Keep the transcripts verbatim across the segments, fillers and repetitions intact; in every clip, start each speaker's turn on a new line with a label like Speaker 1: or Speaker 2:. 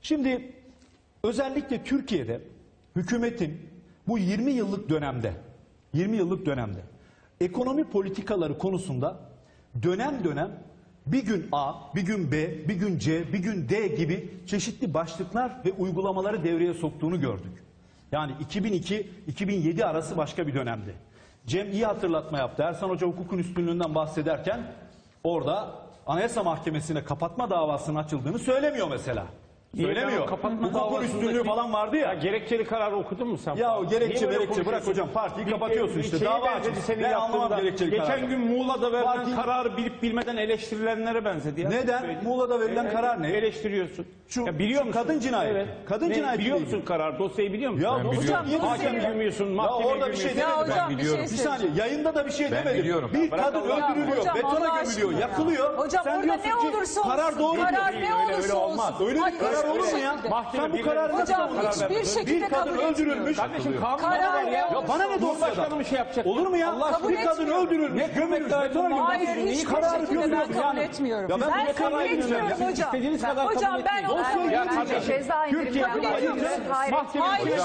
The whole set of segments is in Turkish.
Speaker 1: Şimdi özellikle Türkiye'de hükümetin bu yirmi yıllık dönemde, yirmi yıllık dönemde ekonomi politikaları konusunda dönem dönem bir gün A, bir gün B, bir gün C, bir gün D gibi çeşitli başlıklar ve uygulamaları devreye soktuğunu gördük. Yani iki bin iki iki bin yedi arası başka bir dönemdi. Cem iyi hatırlatma yaptı. Ersan Hoca hukukun üstünlüğünden bahsederken orada Anayasa Mahkemesi'ne kapatma davasının açıldığını söylemiyor mesela. Söylemiyor. Hukukun üstünlüğü falan vardı ya.
Speaker 2: Ya gerekçeli kararı okudun mu sen?
Speaker 1: Ya o gerekçe gerekçe bırak hocam, partiyi kapatıyorsun işte, dava açmış. Ben anlamam gerekçeli kararı.
Speaker 2: Geçen gün Muğla'da verilen
Speaker 1: Parti...
Speaker 2: kararı bilip bilmeden eleştirilenlere benzedi. Ya.
Speaker 1: Neden? Muğla'da verilen e, karar ne?
Speaker 2: Eleştiriyorsun.
Speaker 1: Şu,
Speaker 2: ya biliyor
Speaker 1: şu
Speaker 2: musun?
Speaker 1: kadın cinayeti. Evet. Kadın
Speaker 2: ne,
Speaker 1: cinayeti.
Speaker 2: Biliyor musun karar? Dosyayı biliyor musun?
Speaker 1: Ya hocam
Speaker 2: hakem bilmiyorsun, mahkeme
Speaker 1: orada bir şey demedim.
Speaker 3: Ben biliyorum.
Speaker 1: Bir saniye, yayında da bir şey
Speaker 3: ben
Speaker 1: demedim.
Speaker 3: Biliyorum.
Speaker 1: Bir kadın öldürülüyor, betona gömülüyor, yakılıyor.
Speaker 3: Hocam
Speaker 1: sen
Speaker 3: orada ne olursa olsun.
Speaker 1: Karar doğru
Speaker 3: Karar
Speaker 1: diyor.
Speaker 3: ne olursa olsun.
Speaker 1: Öyle bir karar olur mu ya? Sen bu kararı
Speaker 3: hocam hiçbir şekilde kabul
Speaker 1: öldürülmüş.
Speaker 2: Kardeşim
Speaker 3: karar ne
Speaker 1: ya bana ne
Speaker 2: Cumhurbaşkanı bir şey yapacak?
Speaker 1: Olur mu ya? Bir kadın öldürülmüş, gömülmüş, betona gömülmüş.
Speaker 3: Hayır hiçbir şekilde ben kabul etmiyorum. Ben kabul etmiyorum hocam. Hocam ben onu
Speaker 4: ceza indirimi yapıyorsunuz. Hayır.
Speaker 3: Hayır.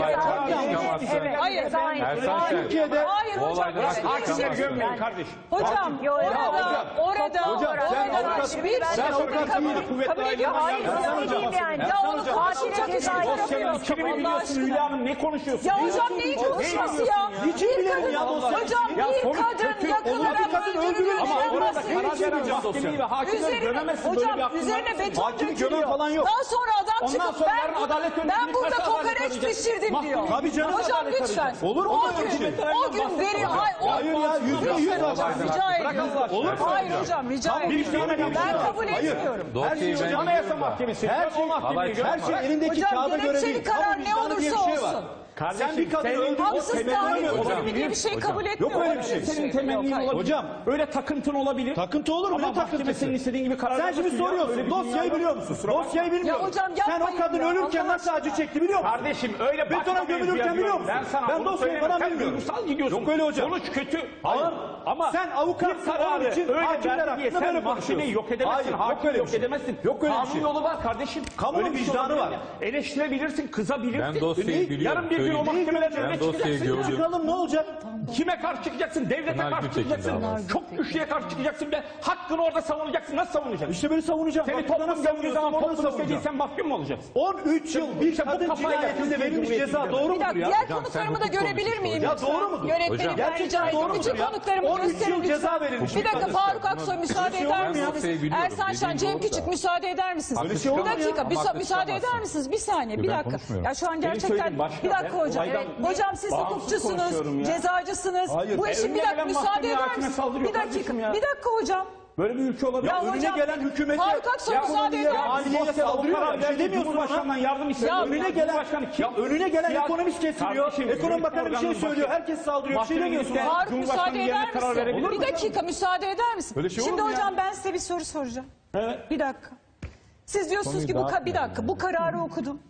Speaker 4: Hayır.
Speaker 3: Hayır.
Speaker 1: Türkiye'de
Speaker 3: hayır hocam.
Speaker 2: Hakimleri gömmeyin kardeş.
Speaker 3: Hocam orada orada
Speaker 1: hocam sen avukat
Speaker 3: bir
Speaker 1: sen avukat
Speaker 3: kabul ediyor. Hayır.
Speaker 4: yani.
Speaker 3: Ya onu karşılayacak ceza yapamıyor.
Speaker 2: Kimi biliyorsun Hülya Hanım, ne konuşuyorsun?
Speaker 3: Ya hocam neyi konuşması ya?
Speaker 1: Niçin bilelim ya dosya?
Speaker 3: Hocam bir kadın yakılarak öldürülmüş.
Speaker 2: Ama orada karar veren mahkemeyi ve hakimleri gömemezsin, böyle bir
Speaker 3: Hocam
Speaker 2: hakkın var.
Speaker 3: üzerine beton
Speaker 1: Hakim gömen
Speaker 3: dökülüyor.
Speaker 1: falan yok.
Speaker 3: Daha sonra adam
Speaker 2: Ondan
Speaker 3: çıkıp
Speaker 2: sonra
Speaker 3: ben,
Speaker 2: yarın adalet
Speaker 3: bu-
Speaker 2: önünde
Speaker 3: ben burada
Speaker 2: birkaç adalet
Speaker 3: kokoreç
Speaker 2: arayacak.
Speaker 3: pişirdim diyor.
Speaker 1: Tabii canım.
Speaker 3: Hocam
Speaker 2: adalet
Speaker 3: lütfen.
Speaker 2: arayacak.
Speaker 1: Olur mu
Speaker 3: O
Speaker 1: böyle bir
Speaker 3: gün,
Speaker 1: şey?
Speaker 3: o gün veri... Hayır, o-
Speaker 1: Hayır ya, yüzde yüz
Speaker 3: Lütfen hocam,
Speaker 1: hocam.
Speaker 3: rica
Speaker 2: Bırak
Speaker 3: ediyorum.
Speaker 2: Allah aşkına.
Speaker 1: Olur mu?
Speaker 3: Hayır hocam rica
Speaker 1: Tamam,
Speaker 3: ediyorum.
Speaker 1: bir tane bir
Speaker 3: Ben
Speaker 1: şey
Speaker 3: kabul
Speaker 1: Hayır.
Speaker 3: etmiyorum.
Speaker 1: Her şey
Speaker 3: şey
Speaker 1: hocam.
Speaker 2: Anayasa Mahkemesi.
Speaker 1: Her şey, her şey elindeki
Speaker 3: Hocam
Speaker 1: kağıda göre
Speaker 3: gerekçeli
Speaker 1: değil.
Speaker 3: karar
Speaker 1: Kamu
Speaker 3: ne
Speaker 1: vicdanı diye bir
Speaker 3: olursa
Speaker 1: şey var.
Speaker 3: olsun.
Speaker 1: Sen bir kadın öldürdün.
Speaker 3: Haksız
Speaker 1: temelli
Speaker 3: tahrik
Speaker 1: mi hocam?
Speaker 3: edilimi diye bir şey kabul etmiyorum.
Speaker 1: Yok öyle bir şey.
Speaker 2: Senin temennin olabilir.
Speaker 1: Hocam.
Speaker 2: Öyle takıntın olabilir.
Speaker 1: Takıntı olur mu?
Speaker 2: Ama
Speaker 1: Ne takıntısı?
Speaker 2: mahkeme senin istediğin gibi karar
Speaker 1: Sen
Speaker 2: vermesin
Speaker 1: şimdi
Speaker 2: ya. Öyle
Speaker 1: soruyorsun.
Speaker 2: bir
Speaker 1: Dosyayı
Speaker 2: dünya
Speaker 1: biliyor
Speaker 2: yok.
Speaker 1: musun? Dosyayı bilmiyorum.
Speaker 3: Ya hocam
Speaker 1: Sen o
Speaker 3: yapmayın
Speaker 1: kadın
Speaker 3: ya,
Speaker 1: ölürken
Speaker 3: Allah
Speaker 1: nasıl acı
Speaker 3: aşkına.
Speaker 1: çekti biliyor musun?
Speaker 2: Kardeşim öyle
Speaker 1: Betona
Speaker 2: bakma
Speaker 1: gömülürken
Speaker 2: mevzuya
Speaker 1: biliyor
Speaker 2: diyorum.
Speaker 1: musun?
Speaker 2: Ben sana
Speaker 1: Ben
Speaker 2: bunu
Speaker 1: dosyayı
Speaker 2: söyleyemem.
Speaker 1: falan
Speaker 2: Sen
Speaker 1: bilmiyorum.
Speaker 2: duygusal gidiyorsun.
Speaker 1: Yok öyle hocam.
Speaker 2: Sonuç kötü.
Speaker 1: Hayır.
Speaker 2: Ama
Speaker 1: Sen avukat
Speaker 2: bir kararı
Speaker 1: için
Speaker 2: öyle
Speaker 1: hakimler
Speaker 2: verdi diye
Speaker 1: hakkında
Speaker 2: sen
Speaker 1: böyle
Speaker 2: mahkemeyi yok edemezsin.
Speaker 1: Hayır, yok
Speaker 2: Hakim
Speaker 1: öyle bir
Speaker 2: yok
Speaker 1: şey.
Speaker 2: edemezsin.
Speaker 1: Yok öyle bir
Speaker 2: Kanun
Speaker 1: şey.
Speaker 2: yolu var kardeşim.
Speaker 1: Kamunun
Speaker 2: Öyle bir şey
Speaker 1: vicdanı
Speaker 2: olabilir
Speaker 1: var.
Speaker 2: mi? Eleştirebilirsin, kızabilirsin.
Speaker 3: Ben dosyayı
Speaker 2: Yarın
Speaker 3: biliyorum,
Speaker 2: bir gün o
Speaker 3: söyleyeyim.
Speaker 2: mahkemeler
Speaker 1: Ben
Speaker 2: önüne
Speaker 3: dosyayı
Speaker 2: çıkacaksın.
Speaker 3: gördüm.
Speaker 1: Çıkalım ne olacak?
Speaker 2: Kime karşı çıkacaksın? Devlete
Speaker 3: Pınar
Speaker 2: karşı
Speaker 3: Gültekin
Speaker 2: çıkacaksın.
Speaker 3: davası.
Speaker 2: Çok güçlüye karşı çıkacaksın ve hakkını orada savunacaksın. Nasıl savunacaksın?
Speaker 1: İşte böyle savunacağım.
Speaker 2: Seni
Speaker 1: Bak,
Speaker 2: toplum
Speaker 1: nasıl
Speaker 2: gömdüğü zaman
Speaker 1: savunuyorsun, onu
Speaker 2: toplum
Speaker 1: savunacağım.
Speaker 2: istediysen mahkum mu olacaksın?
Speaker 1: on üç yıl bir
Speaker 2: İşte bu
Speaker 1: kadın
Speaker 2: kafayla
Speaker 1: cinayetinde
Speaker 2: Türkiye
Speaker 1: verilmiş
Speaker 2: Cumhuriyeti
Speaker 1: ceza
Speaker 2: gidiyor.
Speaker 1: doğru
Speaker 3: Bir
Speaker 1: mudur
Speaker 3: dakika
Speaker 1: ya?
Speaker 3: diğer Hocam, konuklarımı sen da hukuk görebilir miyim?
Speaker 1: Ya
Speaker 3: lütfen?
Speaker 1: doğru mudur?
Speaker 3: Yönetmenim ben
Speaker 1: Gerçekten
Speaker 3: rica
Speaker 1: doğru
Speaker 3: ediyorum.
Speaker 1: mudur
Speaker 3: Bütün
Speaker 1: ya?
Speaker 3: konuklarımı
Speaker 1: on üç
Speaker 3: gösterin
Speaker 1: yıl
Speaker 3: lütfen.
Speaker 1: ceza verilmiş.
Speaker 3: Bir dakika
Speaker 1: Bir
Speaker 3: Faruk Aksoy müsaade
Speaker 1: şey
Speaker 3: eder
Speaker 1: olur mu ya?
Speaker 3: misiniz? misiniz?
Speaker 1: şey
Speaker 3: Ersan Şen, Cem Küçük müsaade eder misiniz?
Speaker 1: Öyle şey olur
Speaker 3: Bir
Speaker 1: mu ya?
Speaker 3: dakika bir Ama sa- müsaade eder konuşamazsın. misiniz? Bir saniye bir Ben dakika. konuşmuyorum. Ya şu an
Speaker 2: Benim
Speaker 3: gerçekten
Speaker 2: söylediğim başka.
Speaker 3: bir dakika
Speaker 2: Ben
Speaker 3: hocam.
Speaker 2: olaydan
Speaker 3: Hocam siz
Speaker 2: bağımsız
Speaker 3: hukukçusunuz,
Speaker 2: konuşuyorum ya.
Speaker 3: cezacısınız.
Speaker 1: Hayır.
Speaker 3: Bu işin
Speaker 2: Evine
Speaker 3: bir dakika
Speaker 2: gelen
Speaker 3: müsaade
Speaker 2: mahkemeye
Speaker 3: eder
Speaker 2: hakime
Speaker 3: misiniz?
Speaker 2: saldırıyor
Speaker 3: Bir dakika.
Speaker 2: kardeşim ya.
Speaker 3: Bir dakika hocam.
Speaker 2: Böyle bir ülke olabilir.
Speaker 1: Ya
Speaker 2: mi?
Speaker 1: önüne
Speaker 3: hocam,
Speaker 1: gelen hükümete
Speaker 3: Faruk Aksoy
Speaker 1: ya
Speaker 3: müsaade
Speaker 1: ekonomiye,
Speaker 3: eder
Speaker 1: maliyeye
Speaker 2: Dosyada
Speaker 1: saldırıyor
Speaker 2: o
Speaker 1: ya.
Speaker 2: karar
Speaker 1: Bir şey
Speaker 2: verdi,
Speaker 1: demiyorsun
Speaker 2: Cumhurbaşkanından
Speaker 1: bana.
Speaker 2: yardım istiyor.
Speaker 3: Ya
Speaker 1: Önüne gelen,
Speaker 2: Cumhurbaşkanı kim?
Speaker 1: ya önüne gelen
Speaker 2: Siyasi-
Speaker 1: ekonomist kesiliyor.
Speaker 2: Kardeşim,
Speaker 1: Ekonomi
Speaker 2: yönetim
Speaker 1: Bakanı bir şey
Speaker 2: organının
Speaker 1: söylüyor.
Speaker 2: başı-
Speaker 1: Herkes saldırıyor. Bir şey
Speaker 2: Mahkemenin
Speaker 1: demiyorsun.
Speaker 2: üstüne-
Speaker 3: Faruk
Speaker 2: Cumhurbaşkanı
Speaker 3: müsaade
Speaker 2: yerine
Speaker 3: eder
Speaker 2: karar
Speaker 3: misin?
Speaker 2: verebilir
Speaker 3: Bir
Speaker 2: mi?
Speaker 3: dakika müsaade eder misin?
Speaker 1: Öyle şey olur
Speaker 3: Şimdi
Speaker 1: mu ya?
Speaker 3: hocam ben size bir soru soracağım.
Speaker 2: Evet.
Speaker 3: Bir dakika. Siz diyorsunuz ki bu ka- bir dakika bu kararı okudum.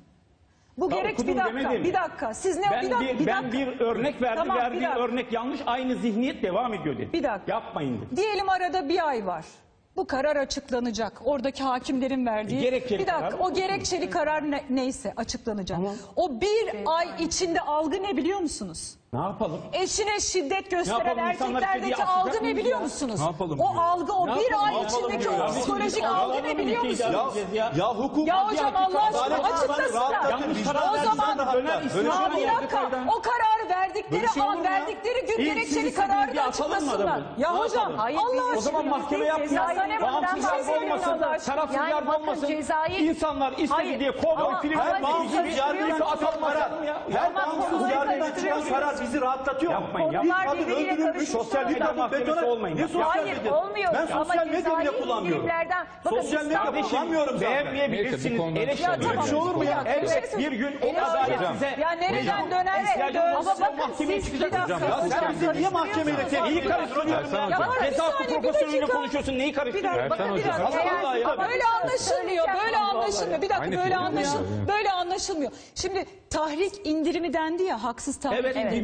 Speaker 3: Bu
Speaker 2: Ya
Speaker 3: gerek
Speaker 2: okudum
Speaker 3: bir dakika.
Speaker 2: demedim.
Speaker 3: Bir dakika. Siz ne
Speaker 2: Ben
Speaker 3: bir dakika.
Speaker 2: bir,
Speaker 3: bir
Speaker 2: ben
Speaker 3: dakika.
Speaker 2: bir örnek verdim.
Speaker 3: Tamam, bir
Speaker 2: verdiğim
Speaker 3: dakika.
Speaker 2: örnek yanlış. Aynı zihniyet devam ediyor dedi.
Speaker 3: Bir dakika.
Speaker 2: Yapmayın dedi.
Speaker 3: Diyelim arada bir ay var. Bu karar açıklanacak. Oradaki hakimlerin verdiği.
Speaker 2: Gerekçeli
Speaker 3: bir dakika.
Speaker 2: karar.
Speaker 3: O gerekçeli karar ne- neyse açıklanacak. O bir ay içinde algı ne biliyor musunuz?
Speaker 2: Ne yapalım?
Speaker 3: Eşine şiddet gösteren
Speaker 2: yapalım? İnsanlar
Speaker 3: erkeklerdeki
Speaker 2: istediği
Speaker 3: algı
Speaker 2: asacak
Speaker 3: ne
Speaker 2: mıyız
Speaker 3: biliyor
Speaker 2: ya?
Speaker 3: musunuz?
Speaker 1: Ne yapalım
Speaker 3: O
Speaker 1: diyor.
Speaker 3: algı, o
Speaker 2: Ne
Speaker 3: bir
Speaker 2: yapalım?
Speaker 3: ay
Speaker 2: Ne yapalım
Speaker 3: içindeki
Speaker 2: diyor
Speaker 3: o
Speaker 2: ya?
Speaker 3: psikolojik
Speaker 2: Biz
Speaker 3: algı ne
Speaker 2: Allah'ın
Speaker 3: biliyor
Speaker 2: ülkeyi
Speaker 3: musunuz?
Speaker 2: idare edeceğiz ya.
Speaker 1: Ya hukuk,
Speaker 3: Ya hocam Allah aşkına
Speaker 1: adalet var,
Speaker 3: açıklasınlar.
Speaker 1: rahatlatın,
Speaker 2: Yanlış karar
Speaker 3: O
Speaker 1: vicdan
Speaker 3: zaman
Speaker 1: rahatlatın.
Speaker 2: döner
Speaker 1: Öyle
Speaker 2: İslam-
Speaker 1: şey
Speaker 3: Aa,
Speaker 1: olur mu
Speaker 3: bir
Speaker 1: ya?
Speaker 3: dakika. O kararı verdikleri
Speaker 1: Böyle şey olur
Speaker 3: an,
Speaker 1: mu ya?
Speaker 3: verdikleri gün
Speaker 2: İlk
Speaker 3: gerekçeli
Speaker 2: siz
Speaker 3: kararı
Speaker 2: istediğiniz
Speaker 3: da
Speaker 2: bir atalım mı
Speaker 3: açıklasınlar.
Speaker 2: adamı?
Speaker 3: Ya
Speaker 2: Ne
Speaker 3: hocam
Speaker 2: yapalım?
Speaker 3: Allah aşkına.
Speaker 2: O zaman mahkeme yapmayın. Bağımsız yargı olmasın, tarafsız
Speaker 4: Yani
Speaker 2: yargı
Speaker 4: bakın
Speaker 2: olmasın.
Speaker 4: cezayı-
Speaker 2: İnsanlar istedi
Speaker 4: Hayır.
Speaker 2: diye kovboy
Speaker 4: Ama-
Speaker 2: film
Speaker 4: ama
Speaker 1: Her bağımsız
Speaker 4: bağımsız
Speaker 1: yargıdan çıkan
Speaker 2: atalım
Speaker 1: karar,
Speaker 2: atalım ya.
Speaker 1: her
Speaker 4: Ama
Speaker 1: bağımsız
Speaker 4: konuları
Speaker 1: yargıdan çıkan
Speaker 4: karıştırıyorsunuz.
Speaker 1: karar bizi rahatlatıyor mu?
Speaker 2: Yapmayın ya.
Speaker 1: Bir
Speaker 4: Konular
Speaker 1: kadın
Speaker 4: birbiriyle
Speaker 1: öldürülmüş,
Speaker 4: karışıyor.
Speaker 1: sosyal
Speaker 4: Bir
Speaker 1: medya
Speaker 2: dakika, mahkemesi olmayın.
Speaker 1: Ne sosyal
Speaker 4: Hayır
Speaker 1: medya?
Speaker 4: olmuyor.
Speaker 1: Ben
Speaker 4: Ama
Speaker 1: sosyal medya bile
Speaker 4: cezai
Speaker 1: kullanmıyorum.
Speaker 4: indirimlerden- Bakın
Speaker 1: Sosyal
Speaker 4: biz-
Speaker 1: medya
Speaker 2: Kardeşim
Speaker 1: kullanmıyorum zaten.
Speaker 2: beğenmeyebilirsiniz.
Speaker 3: Ya tamam.
Speaker 2: Eleştirebilirsiniz.
Speaker 1: Bir şey olur mu ya?
Speaker 3: Bir dakika,
Speaker 2: Evet bir gün o
Speaker 3: Hocam.
Speaker 2: adalet size...
Speaker 3: Ya nereden döner?
Speaker 2: İhtiyacınız
Speaker 3: Ama
Speaker 2: olursa
Speaker 3: bakın
Speaker 2: mahkemeye
Speaker 3: siz bir
Speaker 2: çıkacaksınız.
Speaker 3: dakika.
Speaker 1: Ya sen
Speaker 3: hocam,
Speaker 1: bizi niye mahkemeyle
Speaker 3: karıştırıyorsunuz.
Speaker 2: Neyi karıştırıyorsun ya?
Speaker 3: Ya bana bir
Speaker 2: Ceza
Speaker 3: saniye, bir
Speaker 2: profesörüyle
Speaker 3: dakika.
Speaker 2: konuşuyorsun. Neyi
Speaker 3: Bir
Speaker 2: karıştırıyorsun?
Speaker 3: dakika, bakın bir dakika.
Speaker 2: Allah Allah ya.
Speaker 3: Ama böyle anlaşılmıyor, böyle anlaşılmıyor. Bir dakika, böyle böyle anlaşılmıyor. anlaşılmıyor. Böyle anlaşılmıyor. Şimdi tahrik indirimi dendi ya, haksız tahrik
Speaker 2: Evet,
Speaker 3: indirimi.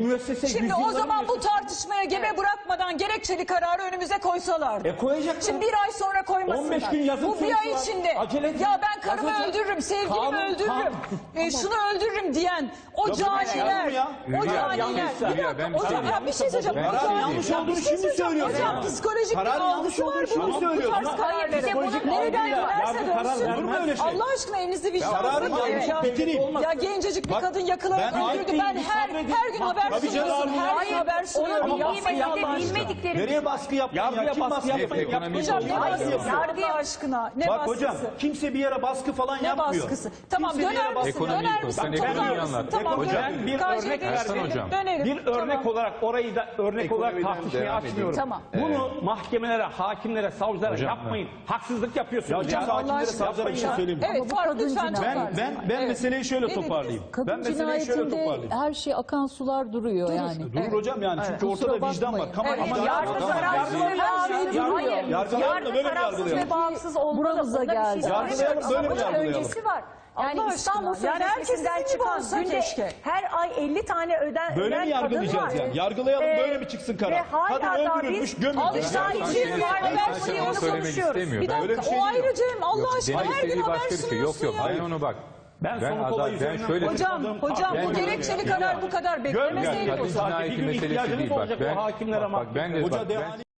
Speaker 2: müessese
Speaker 3: Şimdi o
Speaker 2: yüzyılların
Speaker 3: zaman bu
Speaker 2: müessesesi.
Speaker 3: tartışmaya gebe bırakmadan gerekçeli kararı önümüze koysalardı.
Speaker 2: E koyacaklar.
Speaker 3: Şimdi bir ay sonra koymasınlar.
Speaker 2: on beş gün yazım
Speaker 3: Bu bir
Speaker 2: süresi
Speaker 3: ay
Speaker 2: var.
Speaker 3: içinde.
Speaker 2: Acele edin.
Speaker 3: Ya ben karımı
Speaker 2: Yazacak.
Speaker 3: öldürürüm, sevgilimi
Speaker 2: Kanun-
Speaker 3: öldürürüm,
Speaker 2: kanun-
Speaker 3: e, şunu öldürürüm diyen o
Speaker 1: Ya bu ne
Speaker 3: caniler,
Speaker 1: ya?
Speaker 3: o
Speaker 2: Hülya,
Speaker 3: caniler.
Speaker 2: yanlışsa-
Speaker 3: Bir dakika
Speaker 5: Hülya, ben bir şey
Speaker 3: hocam ya bir şey söyleyeceğim.
Speaker 5: Ben
Speaker 3: Hocam,
Speaker 5: yanlış
Speaker 3: ya
Speaker 1: olduğunu
Speaker 3: bir şey
Speaker 1: şimdi
Speaker 3: söyleyeceğim.
Speaker 1: söylüyorsun.
Speaker 3: Hocam psikolojik bir
Speaker 1: Kararın yanlış
Speaker 3: algısı var
Speaker 1: olduğunu şimdi
Speaker 3: bunun. Bu
Speaker 1: söylüyorsun.
Speaker 3: tarz
Speaker 4: Hayır, bir de
Speaker 3: kararları.
Speaker 4: bunu-
Speaker 3: Nereden
Speaker 2: Ya,
Speaker 3: dönerse
Speaker 2: yargı karar
Speaker 3: dönsün.
Speaker 2: vermez.
Speaker 1: Olur mu öyle şey?
Speaker 3: Allah aşkına elinizi
Speaker 1: Kararın
Speaker 3: vicdanınıza
Speaker 1: yanlış
Speaker 3: koyun ya.
Speaker 1: bitireyim.
Speaker 3: Ya gencecik bir
Speaker 1: Bak,
Speaker 3: kadın yakılarak
Speaker 1: ben-
Speaker 3: öldürdü. Ben her her gün haber
Speaker 1: Tabii canım.
Speaker 3: sunuyorsun. Her gün
Speaker 4: Hayır,
Speaker 3: haber sunuyorum.
Speaker 4: onu
Speaker 3: Ya
Speaker 4: bilmediği
Speaker 3: Allah
Speaker 4: de
Speaker 3: aşkına.
Speaker 4: bilmedikleri.
Speaker 1: Nereye baskı yaptın
Speaker 2: Yargıya
Speaker 1: ya? Kim
Speaker 2: baskı
Speaker 1: baskı
Speaker 2: yapmayın.
Speaker 1: yapıyor?
Speaker 5: Ekonomi
Speaker 3: Hocam ne
Speaker 5: Hayır,
Speaker 3: baskısı?
Speaker 4: yargı-
Speaker 3: Allah aşkına ne
Speaker 1: Bak
Speaker 3: baskısı?
Speaker 1: hocam kimse bir yere baskı falan
Speaker 3: Ne
Speaker 1: yapmıyor.
Speaker 3: baskısı? Tamam
Speaker 1: Kimse bir yere
Speaker 3: döner
Speaker 1: baskı-
Speaker 3: misin?
Speaker 5: Ekonomiyi
Speaker 3: Döner
Speaker 5: konuş,
Speaker 3: misin?
Speaker 5: sen
Speaker 3: Toplar
Speaker 5: ekonomiyi
Speaker 3: mısın?
Speaker 5: anlat.
Speaker 3: Tamam
Speaker 2: Hocam,
Speaker 3: dönerim.
Speaker 2: bir
Speaker 3: Karşıya
Speaker 2: örnek
Speaker 3: değiştirelim.
Speaker 5: versene hocam.
Speaker 3: Dönerim.
Speaker 2: Bir örnek
Speaker 3: Tamam.
Speaker 2: olarak orayı da örnek olarak
Speaker 5: Ekonomiden
Speaker 2: tartışmaya
Speaker 5: devam
Speaker 2: açmıyorum.
Speaker 5: edelim.
Speaker 3: Tamam.
Speaker 2: Bunu mahkemelere, hakimlere, savcılara
Speaker 5: Hocam,
Speaker 2: yapmayın. Haksızlık
Speaker 1: Ya
Speaker 2: yapıyorsunuz.
Speaker 1: kim
Speaker 2: Ya.
Speaker 1: hakimlere
Speaker 3: Allah
Speaker 1: savcılara bir şey
Speaker 3: aşkına.
Speaker 1: söyleyeyim mi?
Speaker 3: Evet Faruk lütfen
Speaker 1: Ben
Speaker 3: toparlayın.
Speaker 1: ben ben
Speaker 3: Evet.
Speaker 1: meseleyi şöyle
Speaker 3: Ne dediniz?
Speaker 1: toparlayayım.
Speaker 6: Kadın
Speaker 1: Ben meseleyi şöyle
Speaker 6: cinayetinde
Speaker 1: toparlayayım.
Speaker 6: her şey akan sular duruyor yani.
Speaker 1: Durur hocam yani çünkü
Speaker 6: Kusura
Speaker 1: ortada vicdan var.
Speaker 6: bakmayın.
Speaker 1: Kamu
Speaker 3: Evet,
Speaker 1: vicdanı var.
Speaker 4: Yargı
Speaker 1: Tamam.
Speaker 4: tarafsız ve bağımsız. Hayır.
Speaker 1: Yargılayalım da
Speaker 4: Yargı
Speaker 1: böyle mi
Speaker 4: tarafsız
Speaker 1: yargılayalım?
Speaker 4: ve bağımsız olmalı.
Speaker 6: Buramıza
Speaker 4: Onda bir şey
Speaker 6: geldi.
Speaker 4: söylemiyorum.
Speaker 1: Yargılayalım, böyle mi
Speaker 4: Ama bunun
Speaker 1: yargılayalım?
Speaker 4: öncesi var. Yani
Speaker 3: Allah
Speaker 4: İstanbul
Speaker 3: aşkına. Yani herkes
Speaker 4: Sözleşmesi'nden
Speaker 3: sizin gibi
Speaker 4: çıkan
Speaker 3: olsa
Speaker 4: günde
Speaker 3: keşke.
Speaker 4: her ay elli tane öden
Speaker 1: Böyle
Speaker 4: öden
Speaker 1: mi
Speaker 4: kadın
Speaker 1: yargılayacağız
Speaker 4: var.
Speaker 1: yani? Yargılayalım,
Speaker 4: Ee,
Speaker 1: böyle mi çıksın karar?
Speaker 4: Ve hala
Speaker 1: Kadın
Speaker 4: da
Speaker 1: öldürülmüş,
Speaker 4: biz
Speaker 1: gömülmüş.
Speaker 4: Alıştay
Speaker 5: Ya,
Speaker 4: için
Speaker 5: sen-
Speaker 4: var
Speaker 5: sen-
Speaker 4: ve
Speaker 5: sen
Speaker 4: bunu
Speaker 5: onu söylemek
Speaker 4: konuşuyoruz.
Speaker 5: istemiyor.
Speaker 3: Bir
Speaker 5: Ben-
Speaker 1: Öyle bir
Speaker 3: dakika
Speaker 1: şey
Speaker 3: o
Speaker 1: değil
Speaker 3: ayrı
Speaker 1: mi?
Speaker 3: Cem Allah
Speaker 5: Yok,
Speaker 3: aşkına
Speaker 5: demek
Speaker 3: her gün
Speaker 5: istediği
Speaker 3: haber
Speaker 5: başka bir şey. Yok
Speaker 3: sunuyorsun
Speaker 5: yok
Speaker 3: ya.
Speaker 5: ben onu bak.
Speaker 2: Ben,
Speaker 5: Ben
Speaker 2: sonu
Speaker 5: ada-
Speaker 2: kolay
Speaker 5: ben
Speaker 2: üzerinden
Speaker 5: şöyle-
Speaker 3: Hocam,
Speaker 2: konuşmadım.
Speaker 3: hocam
Speaker 2: Ben-
Speaker 3: bu gerekçeli karar bu kadar
Speaker 5: Ya,
Speaker 3: beklemeseydi
Speaker 5: kadın
Speaker 3: hocam.
Speaker 5: cinayeti
Speaker 2: Bir gün
Speaker 5: meselesi
Speaker 2: ihtiyacınız
Speaker 5: değil. Bak
Speaker 2: olacak o
Speaker 5: ben,
Speaker 2: hakimlere,
Speaker 5: bak, bak ben de
Speaker 1: Hoca
Speaker 5: bak, ben,
Speaker 1: devamlı